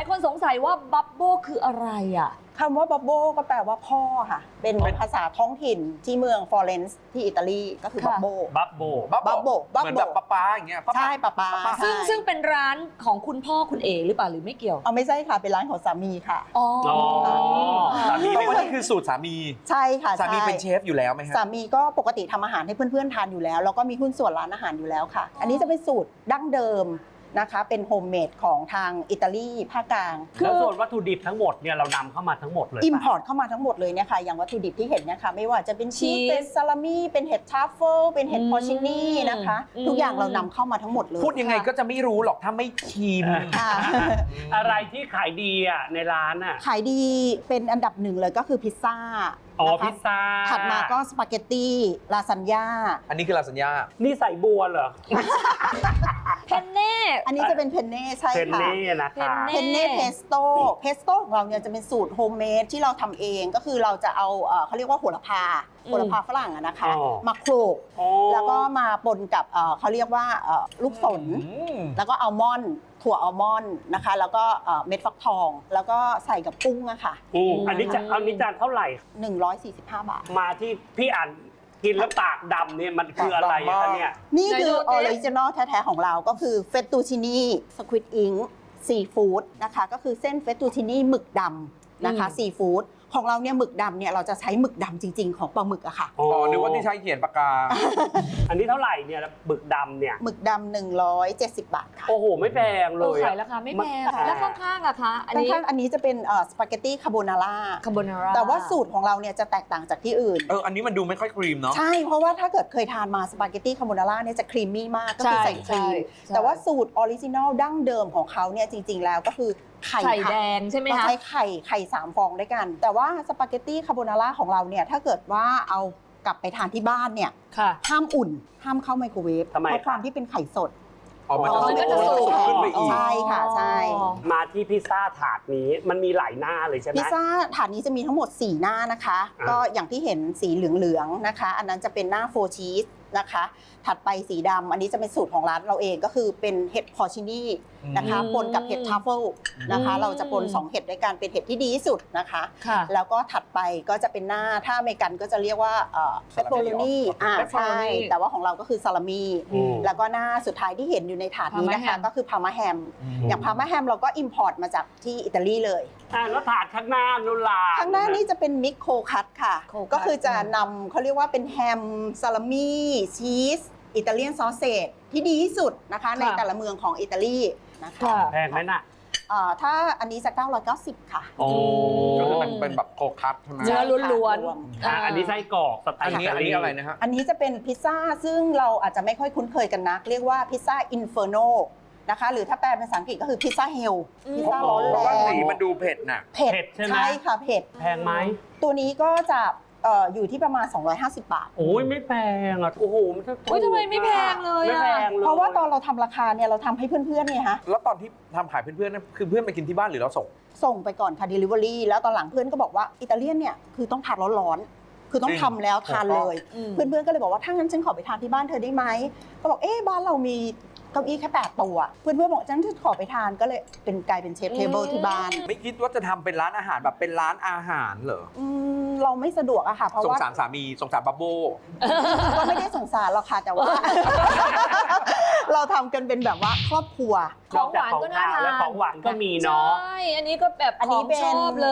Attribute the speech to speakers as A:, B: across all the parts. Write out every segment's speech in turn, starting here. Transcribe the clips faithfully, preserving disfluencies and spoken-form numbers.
A: ายคนสงสัยว่าบับเบิ้ลคืออะไรอ่ะ
B: คำว่าบับเบิ้ลก็แปลว่าพ่อค่ะเป็นภาษาท้องถิ่นที่เมืองฟลอเรนซ์ที่อิตาลีก็คือบับเบิ้ล
C: บับโบ
B: บับเบิ้ลบับ
D: เหมือน
B: เบิ้
D: แบ
B: ล
D: บป้าป้าอย่างเงี้ย
B: ใช่ป้าป้า
A: ซึ่งซึ่งเป็นร้านของคุณพ่อคุณเอหรือเปล่าหรือไม่เกี่ยว
B: เอาไม่ใช่ค่ะเป็นร้านของสามีค่ะ
A: อ๋อ
C: สามี
D: เพ
C: เป็
D: ราะ
C: น
D: ว่านี่คือสูตรสามี
B: ใช่ค่ะ
D: สามี
B: ใช่
D: เป็นเชฟอยู่แล้วไหมฮะ
B: สามีก็ปกติทำอาหารให้เพื่อนๆทานอยู่แล้วแล้วก็มีหุ้นส่วนร้านอาหารอยู่แล้วค่ะ อันนี้จะเป็นสูตรดั้งเดิมนะคะเป็นโฮมเมดของทางอิตาลีภาคกลาง
C: แล้วส่วนวัตถุดิบทั้งหมดเนี่ยเรานำเข้ามาทั้งหมดเลย
B: อิมพอร์ตเข้ามาทั้งหมดเลยเนี่ยค่ะอย่างวัตถุดิบที่เห็นเนี่ยค่ะไม่ว่าจะเป็นชีสเป็นซาลามี่เป็นเห็ดทรัฟเฟิลเป็นเห็ดพอชินี่นะคะทุกอย่างเรานำเข้ามาทั้งหมดเลย
D: พูดยังไงก็จะไม่รู้หรอกถ้าไม่ชิม
B: ค่ะ
C: อะไรที่ขายดีอ่ะในร้านอ่ะ
B: ขายดีเป็นอันดับหนึ่งเลยก็คือพิซซ่า
C: อ๋อ
B: นะคะ
C: พิซซ่า
B: ถัดมาก็สปาเกตตี้ลาซานญ่า
D: อันนี้คือลาซานญ่า
C: นี่ใส่บัวเหรอ
A: เพนเน่
B: อันนี้จะเป็นเพนเน่ใช่
C: เทน
B: ค่ะ
C: เน่นะคะ
B: เพนเน่เพสโต้เพสโต้ของเราเนี่ยจะเป็นสูตรโฮมเมดที่เราทำเองก็คือเราจะเอาเอ่อเขาเรียกว่าโหระพาโหระพาฝรั่งอะนะคะ
C: อ๋อ
B: มาโขลก
C: อ๋อ
B: แล้วก็มาปนกับเอ่อเขาเรียกว่าเอ่อลูกสน แล้วก็อัลมอนด์ถั่วอัลมอนด์นะคะ แล้วก็เอ่อเม็ดฟักทอง แล้วก็ใส่กับกุ้งอะค่ะ
C: อืมอันนี้จะเอานี้จานเท่าไหร่
B: หนึ่งร้อยสี่สิบห้าบาท
C: มาที่พี่อ่านกินแล้วปากดำเนี่ยมันคืออะไรคะเนี่ย
B: นี่คือออริจินอลแท้ๆของเราก็คือเฟตตูชินีสควิดอิงซีฟู้ดนะคะก็คือเส้นเฟตตูชินีหมึกดำนะคะซีฟู้ดของเราเนี่ยหมึกดำเนี่ยเราจะใช้หมึกดำจริงๆของปลาหมึกอะค่ะ
D: อ๋อนึกว่าที่ใช้เขียนปากกา
C: อันนี้เท่าไหร่เนี่ยบึกดำเนี่ย
B: หมึกดำหนึ่งร้อยเจ็ดสิบบาทค่ะ
C: โอ้โหไม่แพงเล
A: เออย ขายราคาไม่แพง
C: มัน
A: แล้วข้างๆอะคะอันนี้
B: ข้างๆอันนี้จะเป็นสปาเกตตี้คาโบนาร่า
A: คาโบนาร่า
B: แต่ว่าสูตรของเราเนี่ยจะแตกต่างจากที่อื่น
D: เออ อันนี้มันดูไม่ค่อยครีมเนาะ
B: ใช่เพราะว่าถ้าเกิดเคยทานมาสปาเกตตี้คาโบนาร่าเนี่ยจะครีมมี่มากก็คือใส่ครีมแต่ว่าสูตรออริจินอลดั้งเดิมของเขาเนี่ยจริงๆแล้วก็คือไข่
A: ไข่
B: ค่ะ
A: แดงใช่ไหม
B: เรา
A: คะ
B: ใช้ไข่ไข่สามฟองด้วยกัน แต่ว่าสปาเกตตี้คาโบนาร่าของเราเนี่ยถ้าเกิดว่าเอากลับไปทานที่บ้านเนี่ย
A: ค่ะ
B: ห้ามอุ่น ห้ามเข้าไมโครเวฟ
C: ทำไม
B: เพราะความที่เป็นไข่สด
D: อ๋อ มัน
A: อ๋อมันก็จะสุก
D: ขึ้นไปอีก
B: ใช่ค่ะใช่
C: มาที่พิซซ่าถาดนี้มันมีหลายหน้าเลยใช่ไหม
B: พิซซ่าถาดนี้จะมีทั้งหมดสี่หน้านะคะ
C: อ่า
B: ก็อย่างที่เห็นสีเหลืองๆนะคะ อันนั้นจะเป็นหน้าโฟชีสนะคะ ถัดไปสีดำอันนี้จะเป็นสูตรของร้านเราเองก็คือเป็นเห็ดพอชินี่นะคะ
A: อืม
B: ปนกับเห็ดทรัฟเฟิลนะคะ
A: อืม
B: เราจะปนสองเห็ดด้วยกันเป็นเห็ดที่ดีที่สุดนะคะ
A: ค่ะ
B: แล้วก็ถัดไปก็จะเป็นหน้าถ้าอเมริกันก็จะเรียกว่าเปปเปอโรนีอ่าใช่
A: pepperoni
B: แต่ว่าของเราก็คือซาลามี
C: อืม
B: แล้วก็หน้าสุดท้ายที่เห็นอยู่ในถาดนี้นะคะ
A: Parma ham
B: ก็คือพาร์มาแฮม
D: อืม
B: อย่างพาร์มาแฮมเราก็อิมพอร์ตมาจากที่อิตาลีเลย
C: อ่าแล้วถาดข้างหน้านุลา
B: ข้างหน้านี่จะเป็นมิกโคคัตค่ะ
A: โคคัต
B: ก็คือจะนำเขาเรียกว่าเป็นแฮมซาลามี่ชีสอิตาเลียนซอสเซจที่ดีที่สุดนะคะ ในแต่ละเมืองของอิตาลีนะคะ
A: ค่ะ
C: แพงไหมน่ะ
B: เอ่อถ้าอันนี้จะเก้าร้อยเก้าสิบค่ะ
C: โอ้
D: ก็คือมันเป็นแบบโคคัสใช่ไหม
A: เนื้อล้วน
B: รวม
A: ๆ
C: อ่าอันนี้ไส้กรอกสไต
D: อัน
C: ล์
D: นี้อันนี้อะไรนะฮะ
B: อันนี้จะเป็นพิซซ่าซึ่งเราอาจจะไม่ค่อยคุ้นเคยกันนัก เรียกว่าพิซซ่าอินเฟอร์โนนะคะหรือถ้าแปลเป็นภาษาอังกฤษก็คือพิซซ่าเฮล
A: อืม
B: พิซซ่าร้อน
D: เพ
B: แร
D: ราะว่าง สีมันดูเผ็ดน่ะ
B: เผ็ด
C: เผ็ดใช่ไหม
B: ใช่ค่ะเผ็ด
C: แพงไหม
B: ตัวนี้ก็จะเอ่ออยู่ที่ประมาณ สองร้อยห้าสิบ บาท
C: โอ้ยไม่แพงอ่ะโอ้โหมันจะถูก
A: โอ้ยทำไมไม่แพงเลย
C: ไม่
A: อะ
C: แพงเลย
B: เพราะว่าตอนเราทำราคาเนี่ยเราทำให้เพื่อนๆเนี่ยฮะ
D: แล้วตอนที่ทำขายเพื่อนๆนั่นคือเพื่อนไปกินที่บ้านหรือเราส่ง
B: ส่งไปก่อนค่ะ Delivery แล้วตอนหลังเพื่อนก็บอกว่าอิตาเลียนเนี่ยคือต้องทานร้อนๆคือต้องทำแล้วทานเลย
A: อืม
B: เพื่อนๆก็เลยบอกว่าถ้างั้นฉันขอไปทานที่บ้านเธอได้ไหมก็บอกเอ๊ะบ้านเรามีเก้าอี้แค่แปดตัวเพื่อนๆบอกฉันขอไปทานก็เลยเป็นกลายเป็นเชฟเทเบิลที่บ้าน
D: ไม่คิดว่าจะทำเป็นร้านอาหารแบบเป็นร้านอาหารเหรอ
B: อืมเราไม่สะดวกอะค่ะเพราะ
D: สง
B: ว่า
D: สารสามี สงสารบับโบ
B: ก็ไม่ได้สงสารหรอกค่ะแต่ว่า เราทำกันเป็นแบบว่าครอบครัว
A: ของหวานก็น่าทาน
C: และของหวานก็มีเนาะ
A: ใช่ อันนี้ก็แบบ
B: อัน
A: ข
B: นี้
A: อง
B: เป็น
A: ชอบเลย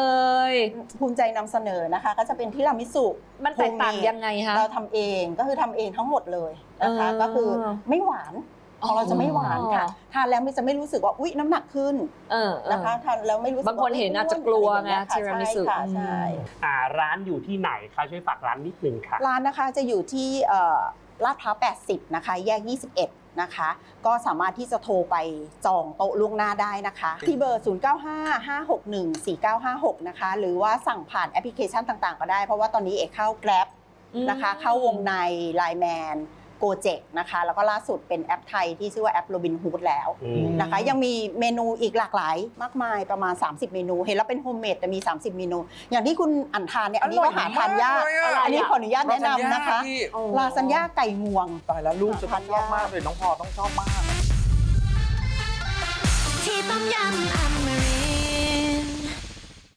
B: ภูมิใจนำเสนอนะคะ ก็จะเป็นทิรามิสุ
A: มันแตกต่างยังไงคะ
B: เราทำเองก็คือทำเองทั้งหมดเลยนะคะ
A: เออ
B: ก็คือไม่หวานของเราจะไม่หวานค่ะ
A: อ๋อ
B: ทานแล้วไม่จะไม่รู้สึกว่าอุ๊ยน้ำหนักขึ้น
A: เออเออ
B: นะคะทานแล้วไม่รู้สึก
A: บางคนเห็นอาจจะกลัวไง
B: อะรอย่า
A: ทีรามิสุ
B: ใช่ค่ะใช่
C: อ่าร้านอยู่ที่ไหนคะช่วยฝากร้านนิดนึงค่ะ
B: ร้านนะคะจะอยู่ที่เอ่อลาดพร้าวแปดสิบนะคะแยกยี่สิบเอ็ดนะคะก็สามารถที่จะโทรไปจองโต๊ะล่วงหน้าได้นะคะ ที่เบอร์ ศูนย์ เก้า ห้า ห้า หก หนึ่ง สี่ เก้า ห้า หก นะคะหรือว่าสั่งผ่านแอปพลิเคชันต่างๆ ก็ได้ เพราะว่าตอนนี้เอกเข้า Grab นะคะเข้าวงใน ไลน์ แมน โกเจ็กนะคะแล้วก็ล่าสุดเป็นแอปไทยที่ชื่อว่าแอปโรบินฮูดแล้ว
C: อืม
B: นะคะยังมีเมนูอีกหลากหลายมากมายประมาณ สามสิบ เมนู เห็นแล้วเป็นโฮมเมดแต่มี สามสิบ เมนู อย่างที่คุณอันทานเนี่ยอันนี้ก็หาทานยาก
D: อร่อยมากเลยอะ
B: อันนี้ขออนุญาตแนะนำนะคะ
D: ที่
B: ลาซานญ่าไก่งวง
D: ตายแล้วลูกจะต้องชอบมากเลยน้องพอต้องชอบมาก
E: ที่ต้มยำอเม